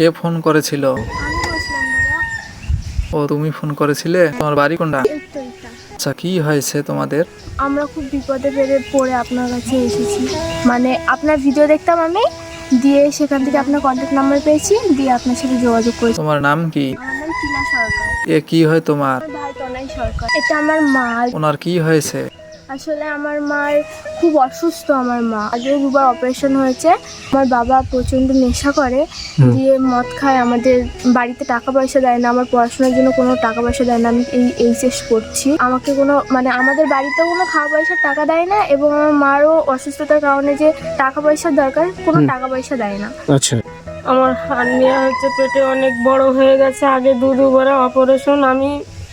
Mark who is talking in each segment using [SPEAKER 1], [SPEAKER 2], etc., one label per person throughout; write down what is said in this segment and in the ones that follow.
[SPEAKER 1] কে phone করেছিল?
[SPEAKER 2] আমি বসলাম দাদা।
[SPEAKER 1] ও তুমি ফোন করেছিলে? তোমার বাড়ি কোনটা?
[SPEAKER 2] এই তো এটা।
[SPEAKER 1] আচ্ছা, কি হয়েছে তোমাদের?
[SPEAKER 2] আমরা খুব বিপদে পড়ে আপনার কাছে এসেছি। মানে আপনার ভিডিও দেখতাম আমি, দিয়ে সেখান থেকে আপনার কন্ট্যাক্ট নাম্বার পেয়েছি, দিয়ে আপনার সাথে যোগাযোগ করেছি।
[SPEAKER 1] তোমার নাম কি?
[SPEAKER 2] আমার নাম টিনা সরকার।
[SPEAKER 1] এ কি হয় তোমার?
[SPEAKER 2] আমার ভাই তনয় সরকার। এটা আমার মা।
[SPEAKER 1] ওনার কি হয়েছে?
[SPEAKER 2] আসলে আমার মার খুব অসুস্থ। আমার মা আগেও দুবার অপারেশন হয়েছে। আমার বাবা প্রচণ্ড নেশা করে, দিয়ে মদ খায়, আমাদের বাড়িতে টাকা পয়সা দেয় না, আমার পড়াশোনার জন্য কোনো টাকা পয়সা দেয় না। আমি এই এইচএস করছি, আমাকে কোনো মানে আমাদের বাড়িতেও কোনো খাওয়া পয়সার টাকা দেয় না, এবং আমার মারও অসুস্থতার কারণে যে টাকা পয়সার দরকার, কোনো টাকা পয়সা দেয় না।
[SPEAKER 3] আচ্ছা,
[SPEAKER 4] আমার হার্নিয়া হচ্ছে, পেটে অনেক বড় হয়ে গেছে। আগে দুবার অপারেশন। আমি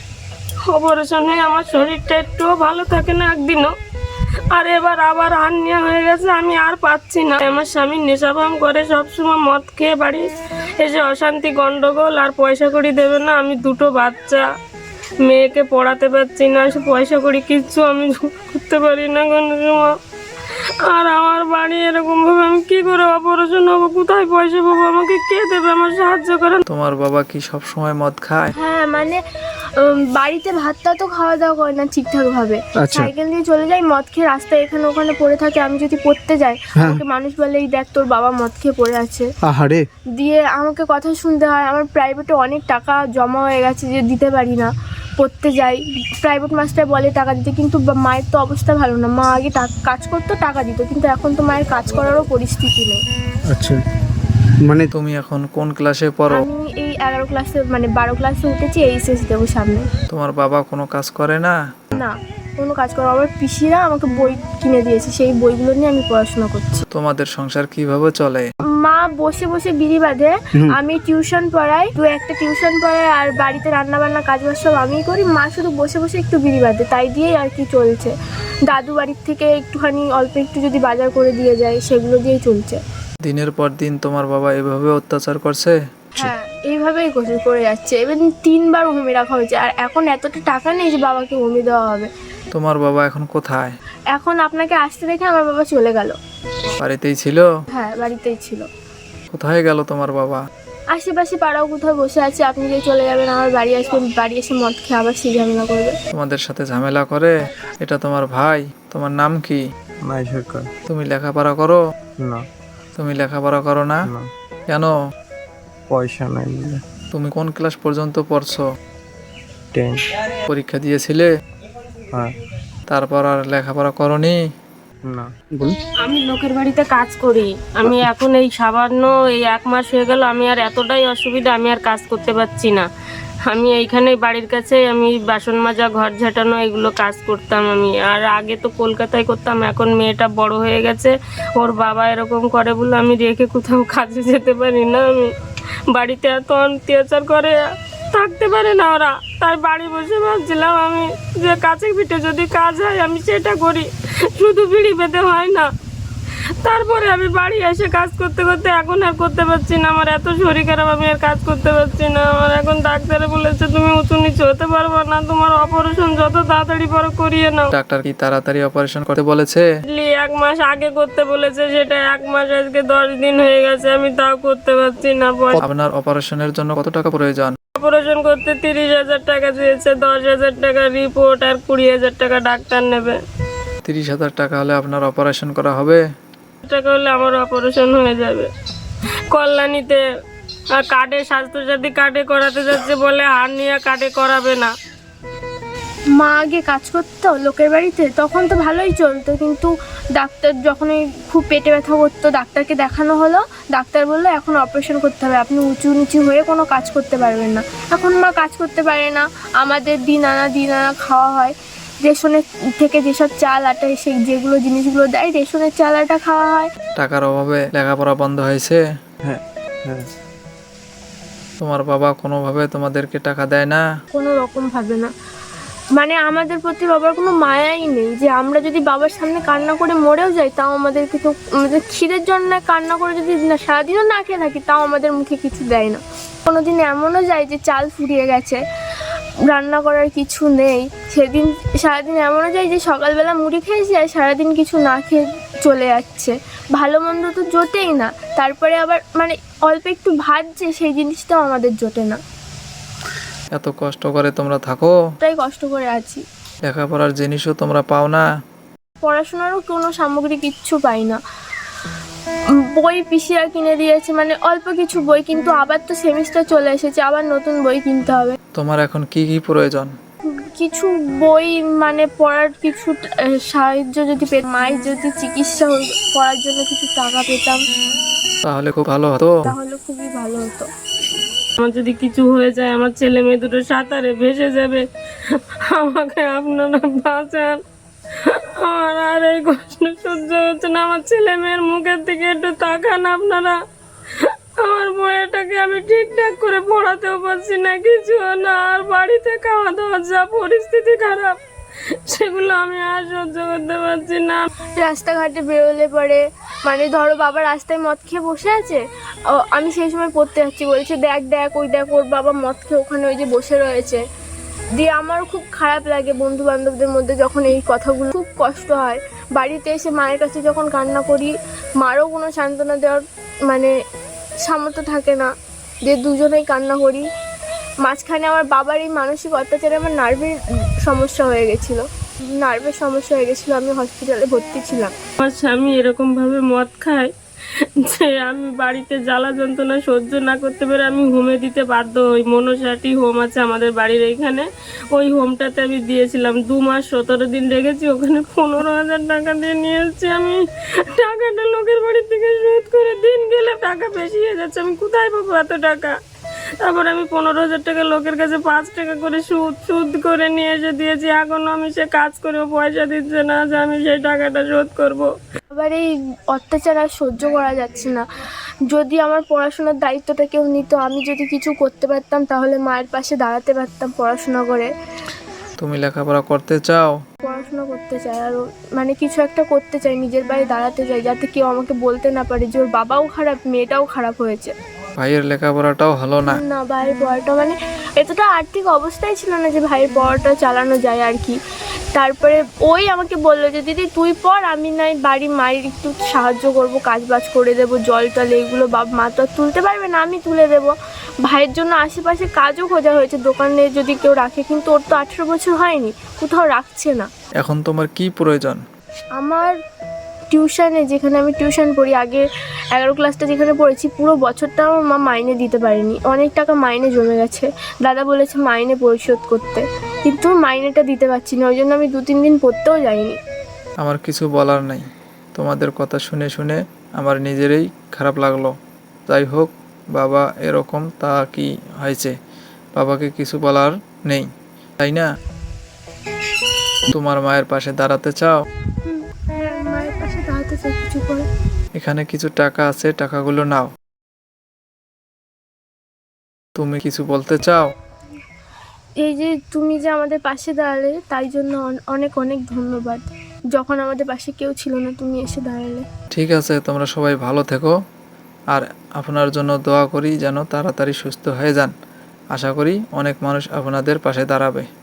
[SPEAKER 4] অপারেশন হয়ে আমার শরীরটা একটুও ভালো থাকে না একদিনও। আর এবার আবার হার্নিয়া হয়ে গেছে, আমি আর পাচ্ছি না। আমার স্বামী নেশাভাম করে, সবসময় মদ খেয়ে বাড়ি এসে অশান্তি গন্ডগোল, আর পয়সা কড়ি দেবে না। আমি দুটো বাচ্চা, মেয়েকে পড়াতে পারছি না, পয়সা কড়ি কিচ্ছু আমি করতে পারি না কোনো সময়। আর আমার বাড়ি এরকম ভাবে আমি কি করে অপারেশন হবো, কোথায় পয়সা পাবো, আমাকে কে দেবে, আমার সাহায্য করেন।
[SPEAKER 1] তোমার বাবা কি সব সময় মদ খায়?
[SPEAKER 2] হ্যাঁ, মানে বাড়িতে ভাতটা তো খাওয়া দাওয়া করে না ঠিকঠাক ভাবে।
[SPEAKER 3] আচ্ছা।
[SPEAKER 2] সাইকেল দিয়ে চলে যায়, মদ খেয়ে রাস্তায় এখানে ওখানে পড়ে থাকে। আমি যদি পড়তে যাই, আমাকে মানুষ বলে, এই দেখ তোর বাবা মদ খেয়ে পড়ে আছে।
[SPEAKER 3] আহারে।
[SPEAKER 2] দিয়ে আমাকে কথা শুনতে হয়। আমার প্রাইভেটে অনেক টাকা জমা হয়ে গেছে যে দিতে পারি না। পড়তে যাই, প্রাইভেট মাস্টার বলে টাকা দিতে, কিন্তু মায়ের তো অবস্থা ভালো না। মা আগে কাজ করতো, টাকা দিত, কিন্তু এখন তো মায়ের কাজ করারও পরিস্থিতি নেই।
[SPEAKER 3] আচ্ছা, মানে
[SPEAKER 1] তুমি এখন কোন ক্লাসে পড়ো?
[SPEAKER 2] আমি এই 11 ক্লাসে, মানে 12 ক্লাসে উঠেছি, এইচএস দেবো সামনে।
[SPEAKER 1] তোমার বাবা কোনো কাজ করে না?
[SPEAKER 2] না, কোনো কাজ করো। আমার পিসিরা আমাকে বই কিনে দিয়েছে, সেই বইগুলো নিয়ে আমি পড়াশোনা করছি।
[SPEAKER 1] তোমাদের সংসার কিভাবে চলে?
[SPEAKER 2] মা বসে বসে বিড়ি বাঁধে, আমি টিউশন পড়াই, একটা টিউশন পড়াই, আর বাড়িতে রান্না বান্না কাজ বাজ সব আমিই করি। মা শুধু বসে বসে একটু বিড়ি বাঁধে, তাই দিয়েই আর কি চলছে। দাদু বাড়ির থেকে একটুখানি অল্প একটু যদি বাজার করে দিয়ে যায়, সেগুলো দিয়েই চলছে।
[SPEAKER 1] দিনের পর দিন তোমার বাবা এভাবে অত্যাচার করছে?
[SPEAKER 2] হ্যাঁ, এইভাবেই করে যাচ্ছে। এবার 3বার হোমে রাখা হয়েছে, আর এখন এতটা টাকা নেই যে বাবাকে হোমে দেওয়া হবে।
[SPEAKER 1] তোমার বাবা এখন কোথায়?
[SPEAKER 2] এখন আপনাকে আসতে দেখে আমার বাবা চলে গেল।
[SPEAKER 1] বাড়িতেই ছিল?
[SPEAKER 2] হ্যাঁ, বাড়িতেই ছিল।
[SPEAKER 1] কোথায় গেল তোমার বাবা?
[SPEAKER 2] আশেপাশে পাড়াও কোথাও বসে আছে। আপনি যে চলে যাবেন, আমার বাড়ি আসবেন, বাড়ি এসে মদ খেয়ে আবার সেই ঝামেলা করবে।
[SPEAKER 1] তোমাদের সাথে ঝামেলা করে? এটা তোমার ভাই? তোমার নাম কি?
[SPEAKER 3] নাই সরকার।
[SPEAKER 1] তুমি লেখাপড়া করো?
[SPEAKER 3] না।
[SPEAKER 1] তুমি লেখাপড়া করো না?
[SPEAKER 3] না,
[SPEAKER 1] কেন?
[SPEAKER 3] পয়সা নাই বলে।
[SPEAKER 1] তুমি কোন ক্লাস পর্যন্ত পড়ছো?
[SPEAKER 3] 10।
[SPEAKER 1] পরীক্ষা দিয়েছিলে?
[SPEAKER 3] হ্যাঁ।
[SPEAKER 1] তারপর আর লেখাপড়া করনি?
[SPEAKER 3] না। বল।
[SPEAKER 4] আমি লোকের বাড়িতে কাজ করি। আমি এখন এই সামান্য এই 1 মাস হয়ে গেল, আমি আর এতটাই অসুবিধা, আমি আর কাজ করতে পারছি না। আমি এইখানে বাড়ির কাছে আমি বাসন মাজা, ঘর ঝাঁটানো, এগুলো কাজ করতাম আমি। আর আগে তো কলকাতায় করতাম, এখন মেয়েটা বড় হয়ে গেছে, ওর বাবা এরকম করে বলে আমি রেখে কোথাও কাজে যেতে পারি না। আমি বাড়িতে এত অত্যাচার করে, থাকতে পারে না ওরা, তাই বাড়ি বসে ভাবছিলাম আমি যে কাছে পিঠে যদি কাজ হয় আমি সেটা করি, শুধু বিড়ি পেতে হয় না। তারপরে আমি বাড়ি এসে কাজ করতে করতে এখন আর করতে পারছি না। আমার এত শরীর খারাপ, আমি আর কাজ করতে পারছি না। আমার এখন ডাক্তারে বলেছে তুমি উঁচু নিচু হতে পারবে না, তোমার অপারেশন যত তাড়াতাড়ি পারো করিয়ে নাও।
[SPEAKER 1] ডাক্তার কি তাড়াতাড়ি অপারেশন করতে বলেছে?
[SPEAKER 4] 1 মাস আগে করতে বলেছে, সেটা 1 মাস আজকে 10 দিন হয়ে গেছে, আমি তাও করতে পারছি না।
[SPEAKER 1] আপনার অপারেশনের জন্য কত টাকা প্রয়োজন?
[SPEAKER 4] অপারেশন করতে 30,000 টাকা দিয়েছে, 10,000 টাকা রিপোর্ট, আর 20,000 টাকা ডাক্তার নেবে।
[SPEAKER 1] 30,000 টাকা হলে আপনার অপারেশন করা হবে?
[SPEAKER 4] টাকা হলে আমার অপারেশন হয়ে যাবে। কল্যাণীতে কার্ডে, স্বাস্থ্যসাথী কার্ডে করাতে যাচ্ছে, বলে হার্নিয়া কার্ডে করাবে না।
[SPEAKER 2] মা আগে কাজ করতো লোকের বাড়িতে, তখন তো ভালোই চলতো, কিন্তু ডাক্তার যখনই খুব পেটে ব্যথা করতো, ডাক্তারকে দেখানো হলো, ডাক্তার বললো এখন অপারেশন করতে হবে, আপনি উঁচু নিচু হয়ে কোনো কাজ করতে পারবেন না। এখন মা কাজ করতে পারে না। আমাদের দিন আনা খাওয়া হয়, রেশনের থেকে যেসব চাল আটা সেই যেগুলো জিনিসগুলো দেয়, রেশনের চাল আটা খাওয়া হয়।
[SPEAKER 1] টাকার অভাবে লেখাপড়া বন্ধ হয়েছে?
[SPEAKER 3] হ্যাঁ। হ্যাঁ।
[SPEAKER 1] তোমার বাবা কোনোভাবে তোমাদেরকে টাকা দেয় না?
[SPEAKER 2] কোনো রকম ভাবে না। মানে আমাদের প্রতি বাবার কোনো মায়াই নেই, যে আমরা যদি বাবার সামনে কান্না করে মরেও যাই, তাও আমাদেরকে তো, আমাদের খিদের জন্য কান্না করে যদি সারাদিনও না খেয়ে থাকি, তাও আমাদের মুখে কিছু দেয় না। কোনোদিন এমনও যায় যে চাল ফুরিয়ে গেছে, রান্না করার কিছু নেই, সেদিন সারাদিন এমনও যায় যে সকালবেলা মুড়ি খেয়েছি আর সারাদিন কিছু না খেয়ে চলে যাচ্ছে। ভালো মন্দ তো জোটেই না। তারপরে আবার মানে অল্প একটু ভাত যে সেই জিনিসটাও আমাদের জোটে না,
[SPEAKER 1] এত কষ্ট করে তোমরা থাকো,
[SPEAKER 2] তাই কষ্ট করে আছি।
[SPEAKER 1] লেখাপড়ার জিনিসও তোমরা পাও না।
[SPEAKER 2] পড়াশোনারও কোনো সামগ্রী কিচ্ছু পাই না। বই পিসিরা কিনে দিয়েছে, মানে অল্প কিছু বই, কিন্তু আবার তো সেমিস্টার চলে এসেছে, আবার নতুন বই কিনতে হবে।
[SPEAKER 1] তোমার এখন কি কি প্রয়োজন?
[SPEAKER 2] কিছু বই মানে পড়ার কিছু সাহায্য যদি মায়ের যদি চিকিৎসা করার জন্য কিছু টাকা পেতাম
[SPEAKER 1] তাহলে খুব ভালো হতো।
[SPEAKER 2] তাহলে খুবই ভালো হতো।
[SPEAKER 4] আমার যদি কিছু হয়ে যায়, আমার ছেলে মেয়ে দুটো সাঁতারে ভেসে যাবে, আমাকে আপনারা বাঁচান। আমার আর এই কষ্ট সহ্য হচ্ছে না। আমার ছেলে মেয়ের মুখের দিকে একটু তাকান আপনারা। আমার বইটাকে আমি ঠিকঠাক করে পড়াতেও পারছি না, কিছু না। আর বাড়িতে খাওয়া দাওয়ার যা পরিস্থিতি খারাপ, সেগুলো আমি আর সহ্য করতে পারছি না।
[SPEAKER 2] রাস্তাঘাটে বেরোলে পরে মানে ধরো বাবা রাস্তায় মদ খেয়ে বসে আছে, আমি সেই সময় পড়তে যাচ্ছি, বলছে দেখ দেখ ওই দেখ ওর বাবা মদ খেয়ে ওখানে ওই যে বসে রয়েছে। দিয়ে আমার খুব খারাপ লাগে বন্ধু বান্ধবদের মধ্যে যখন এই কথাগুলো, খুব কষ্ট হয়। বাড়িতে এসে মায়ের কাছে যখন কান্না করি, মারও কোনো সান্ত্বনা দেওয়ার মানে সামর্থ্য থাকে না, যে দুজনেই কান্না করি। মাঝখানে আমার বাবার এই মানসিক অত্যাচারে আমার নার্ভের সমস্যা হয়ে গেছিলো, আমি হসপিটালে ভর্তি ছিলাম।
[SPEAKER 4] আমার স্বামী এরকম ভাবে মদ খায় যে আমি বাড়িতে জ্বালা যন্ত্রণা সহ্য না করতে পেরে আমি হোমে দিতে বাধ্য হই। মনসাটি হোম আছে আমাদের বাড়ির এইখানে, ওই হোমটাতে আমি দিয়েছিলাম। 2 মাস 17 দিন রেখেছি ওখানে। 15,000 টাকা দিয়ে নিয়ে এসেছি আমি। টাকাটা লোকের বাড়ির থেকে সুদ করে, দিন গেলে টাকা বেশি হয়ে যাচ্ছে, আমি কোথায় পাবো এত টাকা? তারপর আমি 15,000 টাকা লোকের কাছে 5 টাকা করে সুদ করে নিয়ে এসে দিয়েছি। এখনো আমি সে কাজ করেও পয়সা দিচ্ছে না যে আমি সেই টাকাটা শোধ করব।
[SPEAKER 2] আবার এই অত্যাচার আর সহ্য করা যাচ্ছে না। যদি আমার পড়াশোনার দায়িত্বটা কেউ নিত, আমি যদি কিছু করতে পারতাম, তাহলে মায়ের পাশে দাঁড়াতে পারতাম পড়াশোনা করে।
[SPEAKER 1] তুমি লেখাপড়া করতে চাও?
[SPEAKER 2] পড়াশোনা করতে চাই, আর মানে কিছু একটা করতে চাই, নিজের পায়ে দাঁড়াতে চাই, যাতে কেউ আমাকে বলতে না পারে যে ওর বাবাও খারাপ, মেয়েটাও খারাপ হয়েছে।
[SPEAKER 1] ভাইয়ের লেখাপড়াটাও হলো না।
[SPEAKER 2] না, ভাইয়ের পড়াটা মানে এতটা আর্থিক অবস্থাই ছিল না যে ভাইয়ের পড়াটা চালানো যায় আর কি। তারপরে ওই আমাকে বললো যে দিদি তুই পড়, আমি নাই বাড়ি মায়ের একটু সাহায্য করব, কাজ বাজ করে দেবো, জল টল এগুলো মা তো আর তুলতে পারবে না, আমি তুলে দেবো। ভাইয়ের জন্য আশেপাশে কাজও খোঁজা হয়েছে, দোকানে যদি কেউ রাখে, কিন্তু ওর তো 18 বছর হয়নি, কোথাও রাখছে না।
[SPEAKER 1] এখন তোমার কি প্রয়োজন?
[SPEAKER 2] আমার টিউশনে, যেখানে আমি টিউশন পড়ি, আগে 11 ক্লাসটা যেখানে পড়েছি, পুরো বছরটা আমার মা মাইনে দিতে পারেনি, অনেক টাকা মাইনে জমে গেছে। দাদা বলেছে মাইনে পরিশোধ করতে, কিন্তু মাইনেটা দিতে পারছি না, ওই জন্য আমি 2-3 দিন পড়তেও যাইনি।
[SPEAKER 1] আমার কিছু বলার নাই, তোমাদের কথা শুনে শুনে আমার নিজেরই খারাপ লাগলো। যাই হোক, বাবা এরকম, তা কি হয়েছে? বাবাকে কিছু বলার নেই, তাই না? তোমার মায়ের পাশে দাঁড়াতে চাও?
[SPEAKER 2] হ্যাঁ, মায়ের পাশে দাঁড়াতে চাই কিছু করে।
[SPEAKER 1] এখানে কিছু টাকা আছে, টাকাগুলো নাও। তুমি কিছু বলতে চাও?
[SPEAKER 2] এই যে তুমি যে আমাদের পাশে দাঁড়ালে, তাই জন্য অনেক অনেক ধন্যবাদ। যখন আমাদের পাশে কেউ ছিল না, তুমি এসে দাঁড়ালে।
[SPEAKER 1] ঠিক আছে, তোমরা সবাই ভালো থেকো, আর আপনার জন্য দোয়া করি যেন তাড়াতাড়ি সুস্থ হয়ে যান। আশা করি অনেক মানুষ আপনাদের পাশে দাঁড়াবে।